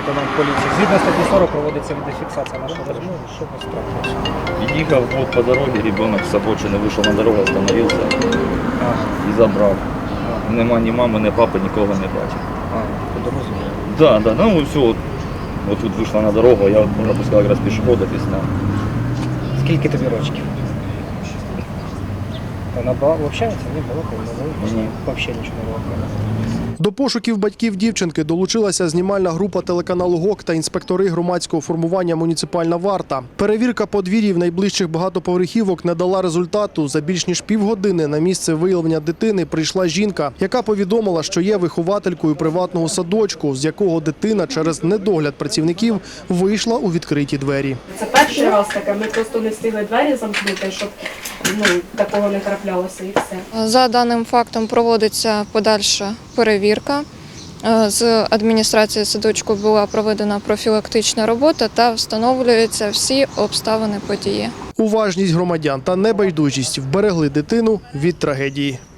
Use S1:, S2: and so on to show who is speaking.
S1: лейтенант поліції. Згідно статті 40 проводиться відеофіксація нашої розмови. Що ви трапилося?
S2: Ехал вот по дороге, ребенок с обочины вышел на дорогу, остановился и забрал. Нема ні мами, ні папи, нікого не бачив.
S1: По дорозі?
S2: Да, ну все, вот тут вышла на дорогу, я вот пропускал как раз пешеходов и снял.
S1: Скільки тобі рочків? Вона общається? Ні, балакає, не
S2: Ні.
S1: Взагалі нічого не балакає.
S3: До пошуків батьків дівчинки долучилася знімальна група телеканалу ГОК та інспектори громадського формування «Муніципальна варта». Перевірка подвір'їв найближчих багатоповерхівок не дала результату. За більш ніж півгодини на місце виявлення дитини прийшла жінка, яка повідомила, що є вихователькою приватного садочку, з якого дитина через недогляд працівників вийшла у відкриті двері.
S4: Це перший раз таке, ми просто не встигли двері замкнути, щоб такого не траплялося і все.
S5: За даним фактом проводиться подальша перевірка. З адміністрації садочку була проведена профілактична робота та встановлюються всі обставини події.
S3: Уважність громадян та небайдужість вберегли дитину від трагедії.